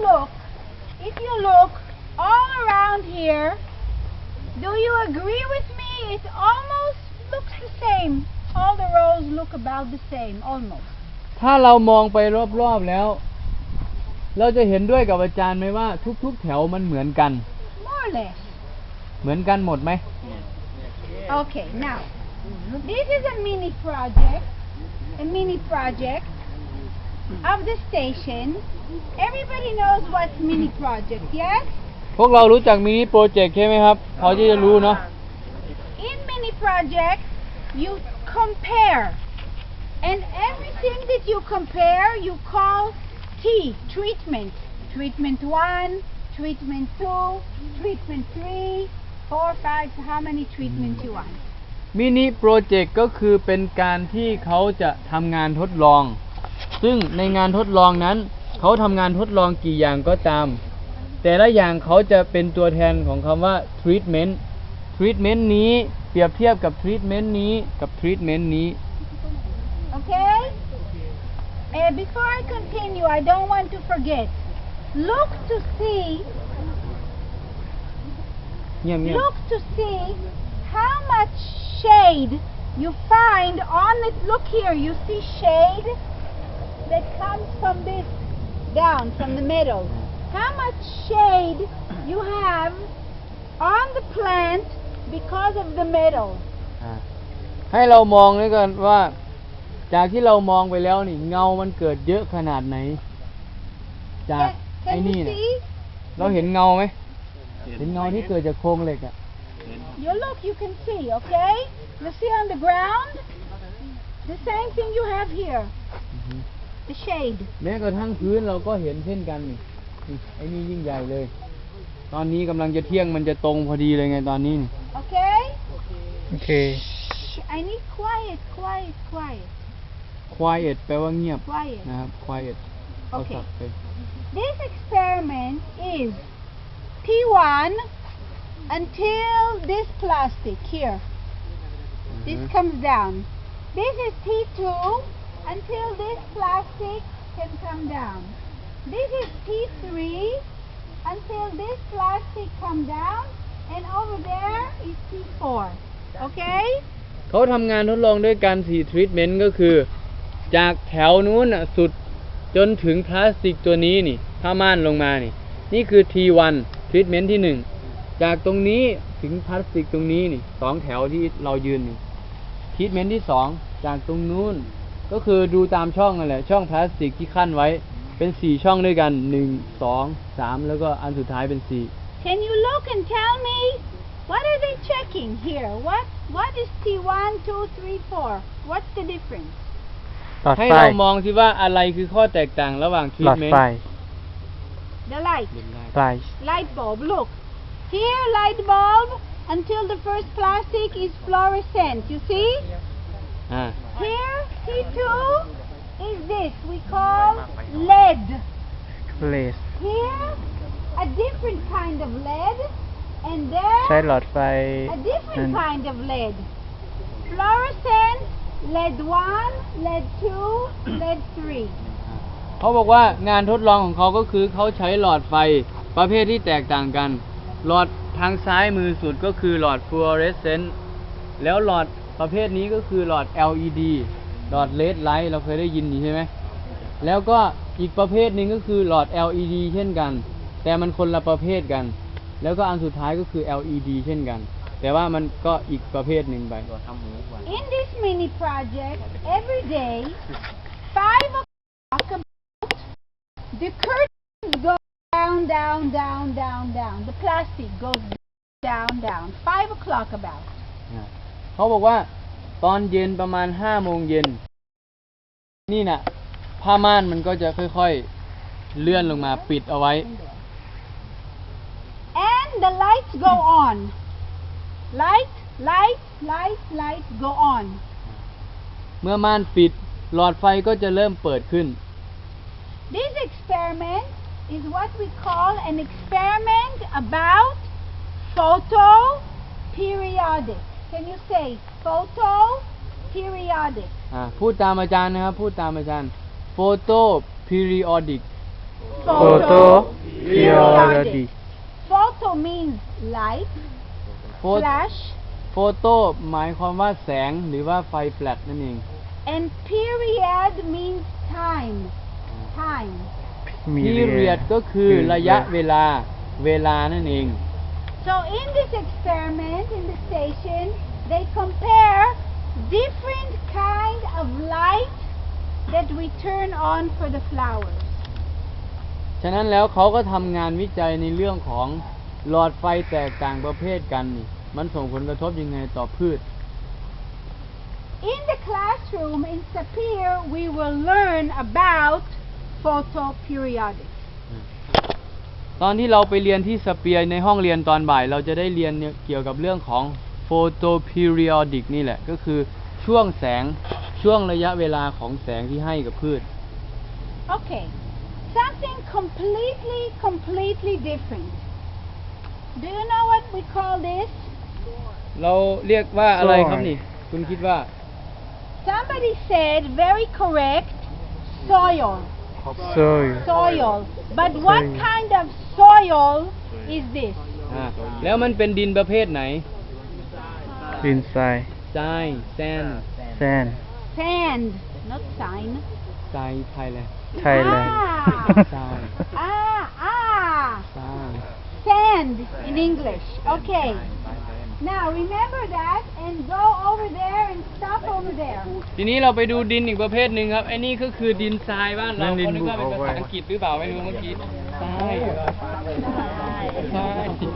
look, if you look all around here, do you agree with me? It almost looks the same. All the rows look about the same, almost. ถ้าเรามองไปรอบๆแล้วเราจะเห็นด้วยกับอาจารย์ไหมว่าทุกๆแถวมันเหมือนกัน More or less. เหมือนกันหมดไหม Okay, now, this is a mini project of the station. Everybody knows what's mini project, yes? พวกเรารู้จักมินิโปรเจกต์ใช่ไหมครับพอที่จะรู้เนาะ In mini project, you compare. And everything that you compare, you call T, treatment. Treatment 1, treatment 2, treatment 3, 4, 5, so how many treatments you want? มินิโปรเจกต์ก็คือเป็นการที่เขาจะทำงานทดลอง ซึ่งในงานทดลองนั้นเขาทำงานทดลองกี่อย่างก็ตาม แต่ละอย่างเขาจะเป็นตัวแทนของคำว่า treatment treatment นี้เปรียบเทียบกับ treatment นี้กับ treatment นี้ Okay? Before I continue, I don't want to forget. Look to see เงียบ Look to see how much shade you find on it. Look here, you see shade that comes from this down, from the middle. How much shade you have on the plant because of the middle. ให้เรามองด้วยกันว่าจากที่เรามองไปแล้วนี่เงามันเกิดเยอะขนาดไหนจากไอ้ Can นี่ you เนี่ย see? เราเห็นเงาไหมเห็นเงาที่เกิดจากโครงเหล็กอะ You look, you can see, okay? You see on the ground? The same thing you have here. The shade. แม้กระทั่งพื้นเราก็เห็นเช่นกันนี่ไอ้นี่ยิ่งใหญ่เลย ตอนนี้กำลังจะเที่ยงมันจะตรงพอดีเลยไงตอนนี้ Okay? โอเค I need quiet. quiet แปลว่าเงียบ Quiet. นะครับ quiet เอา Okay. สับไป This experiment is T1 until this plastic here. This comes down. This is T2 until this plastic can come down. This is T3 until this plastic come down, and over there is T4. Okay? เขาทำงานทดลองด้วยการ4 treatment ก็คือ จากแถวนู้นสุดจนถึงพลาสติกตัวนี้นี่ผ้าม่านลงมานี่คือ T1 treatment ที่ 1 จากตรงนี้ถึงพลาสติกตรงนี้นี่2แถวที่เรายืนนี่ treatment ที่ 2 จากตรงนู้นก็คือดูตามช่องนั่นแหละช่องพลาสติกที่ขั้นไว้เป็น4ช่องด้วยกัน1 2 3แล้วก็อันสุดท้ายเป็น4 Can you look and tell me what are they checking here? What is T1, 2, 3, 4? What's the difference? หลอดให้ไฟเรามองสิว่าอะไรคือข้อแตกต่างระหว่างหลอด treatment ไฟ The light. ไฟ Light bulb. Look. Here, light bulb until the first plastic is fluorescent. You see? อ่า Here, T2 is this. We call lead. เลส Here, a different kind of lead. And ใช้ there, หลอดไฟ a different kind of lead. Fluorescent, lead 1, lead 2, lead 3. เขาบอกว่างานทดลองของเขาก็คือเขาใช้หลอดไฟประเภทที่แตกต่างกัน หลอดทางซ้ายมือสุดก็คือหลอดฟลูออเรสเซนต์แล้วหลอดประเภทนี้ก็คือหลอด LED หลอด LED light เราเคยได้ยินอยู่ใช่ไหมแล้วก็อีกประเภทหนึ่งก็คือหลอด LED เช่นกันแต่มันคนละประเภทกันแล้วก็อันสุดท้ายก็คือ LED เช่นกันแต่ว่ามันก็อีกประเภทหนึ่งไป In this mini project, every day, 5 o'clock, the curtains go down. The plastic goes down. 5 o'clock about. เขาบอกว่าตอนเย็นประมาณ5 โมงเย็นนี่น่ะผ้าม่านมันก็จะค่อยๆเลื่อนลงมาปิดเอาไว้ And the lights go on. Light go on. เมื่อม่านปิดหลอดไฟก็จะเริ่มเปิดขึ้น This experiment is what we call an experiment about photoperiodic. Can you say photoperiodic? พูดตามอาจารย์นะครับพูดตามอาจารย์ photo periodic Photoperiodic Photo means light, โฟ flash, โฟโต้หมายความว่าแสงหรือว่าไฟแฟลชนั่นเอง and period means time. Time. period ก็คือระยะเวลา เวลานั่นเอง So in this experiment in the station, they compare different kind of light that we turn on for the flowers. ฉะนั้นแล้วเขาก็ทำงานวิจัยในเรื่องของหลอดไฟแตกต่างประเภทกันนี่ มันส่งผลกระทบยังไงต่อพืช In the classroom in Sapir, we will learn about photoperiodic. ตอนที่เราไปเรียนที่สเปียร์ในห้องเรียนตอนบ่าย เราจะได้เรียนเกี่ยวกับเรื่องของ photoperiodic นี่แหละ ก็คือช่วงแสง ช่วงระยะเวลาของแสงที่ให้กับพืช Okay, something completely different. Do you know what we call this? เราเรียกว่าอะไรครับนี่ คุณคิดว่า Somebody said, very correct, soil. Soil. But what kind of soil is this? แล้วมันเป็นดินประเภทไหนดินทรายทรายแซน sand Sand, not sign. ทรายไทยเลย Thailand Sand. Sand. Sand in English. Okay. Now remember that and go over there and stop over there. ทีนี้เราไปดูดินอีกประเภทหนึ่งครับไอ้นี่ก็คือดินทรายบ้านเรานั่นดินเขานึกว่าเป็นภูภาเขาไฟษาอังกฤษหรือเปล่าไม่รู้เมื่อกี้ทรายทราย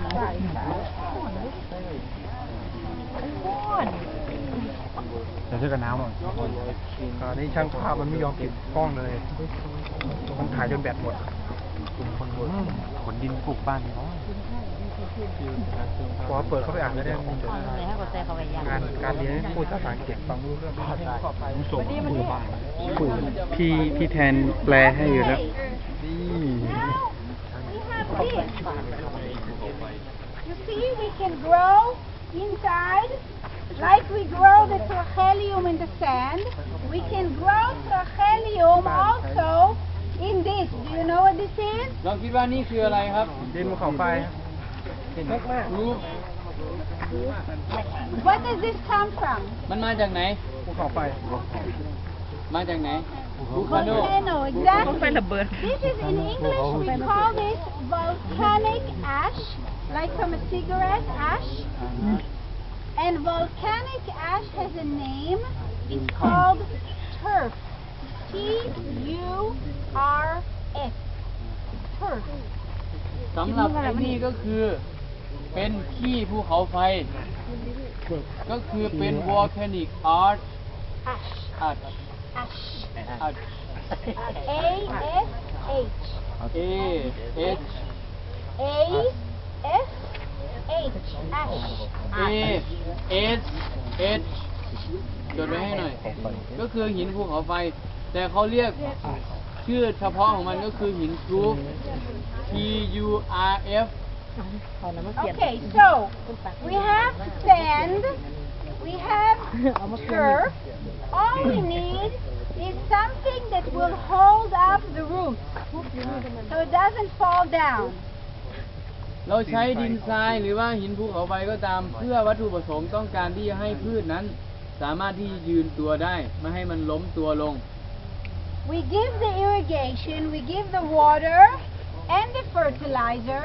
เดี๋ยวช่วยกันน้ำหน่อยนี่ช่างภาพมันไม่ยอมปิดกล้องเลย มันถ่ายจนแบตหมดขนดินปลูกบ้านเขาพอเปิดเข้าไปอ่านแล้วเนี่ยการเรียนพูดภาษาอังกฤษฟังไม่รู้เรื่องผมส่งปลูกบ้านพี่แทนแปลให้อยู่แล้ว Now we have this. You see, we can grow inside like we grow the trachelium in the sand. We can grow trachelium also in this. Do you know what this is? เราคิดว่านี่คืออะไรครับดินภูเขาไฟรู้ What does this come from? มันมาจากไหนภูเขาไฟมาจากไหนภูคาโน Volcano, exactly. This is in English, we call this volcanic ash, like from a cigarette ash. And volcanic ash has a name. It's called turf. T-U-R-F. Turf. สำหรับไอ้นี่ก็คือเป็นขี้ภูเขาไฟ ก็คือเป็น volcanic ash Ash. ash Ash. ash A-S-H. A H A-S-H. Ash. A S H จดไว้ให้หน่อย ก็คือหินภูเขาไฟ แต่เขาเรียกชื่อเฉพาะของมันก็คือหินทรูฟ T U R F. Okay, so we have sand, we have turf. All we need is something that will hold up the roots so it doesn't fall down. เราใช้ดินทรายหรือว่าหินภูเขาไฟก็ตาม เพื่อวัตถุประสงค์ต้องการที่จะให้พืชนั้น สามารถที่จะยืนตัวได้ ไม่ให้มันล้มตัวลง We give the irrigation, we give the water and the fertilizer,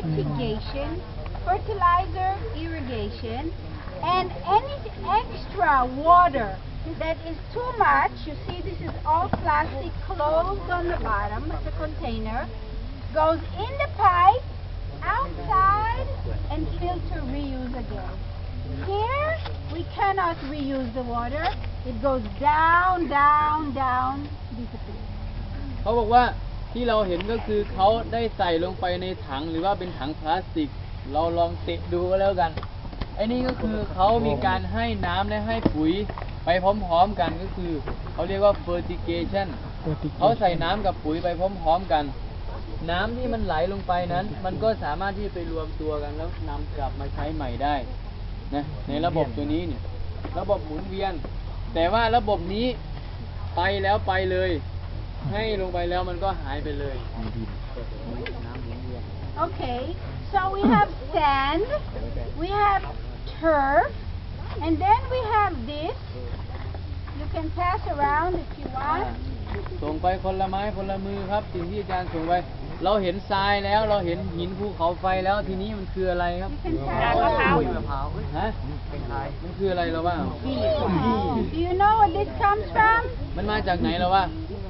fertilizer, irrigation, and any extra water that is too much, you see this is all plastic closed on the bottom of the container, goes in the pipe, outside, and filter reuse again. Here, we cannot reuse the water. It goes down, disappears. เขาบอกว่าที่เราเห็นก็คือเขาได้ใส่ลงไปในถังหรือว่าเป็นถังพลาสติก เราลองเตะดูก็แล้วกัน ไอ้นี่ก็คือเขามีการให้น้ำและให้ปุ๋ยไปพร้อมๆกันก็คือเขาเรียกว่า fertigation เขาใส่น้ำกับปุ๋ยไปพร้อมๆกัน น้ำที่มันไหลลงไปนั้น มันก็สามารถที่จะไปรวมตัวกันแล้วนำกลับมาใช้ใหม่ได้นะในระบบตัวนี้นี่ระบบหมุนเวียน แต่ว่าระบบนี้ไปแล้วไปเลย ให้ลงไปแล้วมันก็หายไปเลย Okay, so we have sand, we have turf, and then we have this. You can pass around if you want. ส่งไปคนละไม้คนละมือครับสิ่งที่อาจารย์ส่งไปเราเห็นทรายแล้วเราเห็นหินภูเขาไฟแล้วทีนี้มันคืออะไรครับ You can pass around. ฮะมันคืออะไรเราว่า Do you know what this comes from? มันมาจากไหนเราว่า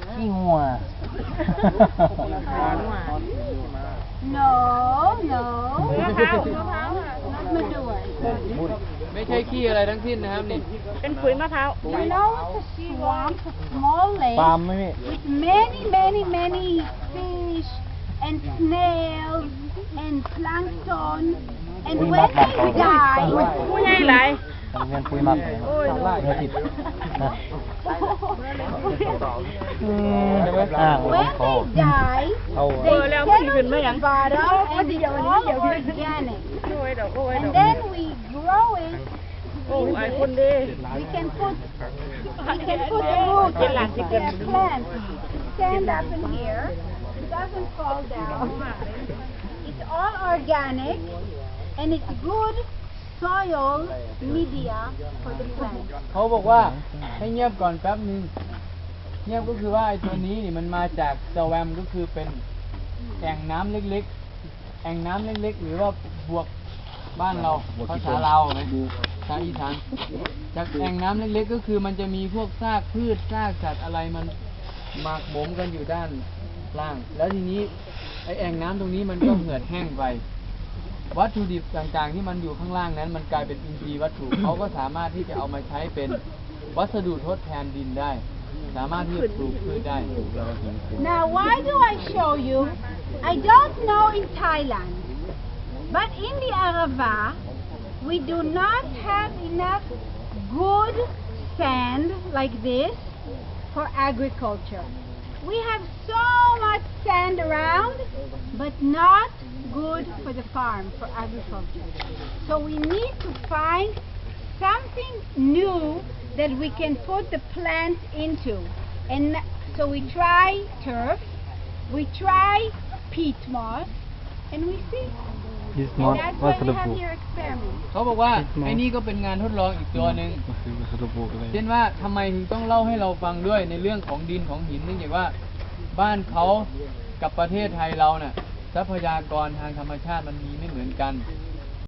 No, no. Not manure. ไม่ใช่ขี้อะไรทั้งสิ้นนะครับนี่ You know it's a swamp, a small lake with many, many, many fish and snails and plankton. And when they die, เงินปุยมักเงินติด when they die, they settle to the bottom and it's all organic. And then we grow it. We can put the roots of the plant stand up in here. It doesn't fall down. It's all organic and it's good soil media for the plant. เขาบอกว่าให้เงียบก่อนแป๊บนึงเงียบก็คือว่าไอ้ตัวนี้นี่มันมาจากสแวมก็คือเป็นแอ่งน้ำเล็กๆแอ่งน้ำเล็กๆหรือว่าบวกบ้านเราภาษาลาวไหมภาษาอีสานจากแอ่งน้ำเล็กๆก็คือมันจะมีพวกซากพืชซากสัตว์อะไรมันหมักหมมกันอยู่ด้านล่าง แล้วทีนี้ไอ้แอ่งน้ำตรงนี้มันก็เหือดแห้งไป วัตถุดิบต่างๆที่มันอยู่ข้างล่างนั้นมันกลายเป็นอินทรีย์วัตถุ เขาก็สามารถที่จะเอามาใช้เป็นวัสดุทดแทนดินได้ สามารถที่จะปลูกพืชได้ Now, why do I show you? I don't know in Thailand, but in the Arava, we do not have enough good sand like this for agriculture. We have so much sand around, but not good for the farm, for agriculture. So we need to find something new that we can put the plants into. And so we try turf, we try peat moss, and we see. It's And not that's why we have waterproof. your experiment. เขาบอกว่าไอ้นี่ก็เป็นงานทดลองอีกตัวหนึ่งก็คือวัสดุปลูกเลยเช่นว่าทำไมถึงต้องเล่าให้เราฟังด้วยในเรื่องของดินของหินเนื่องจากว่าบ้านเขากับประเทศไทยเราเนี่ยทรัพยากรทางธรรมชาติมันมีไม่เหมือนกัน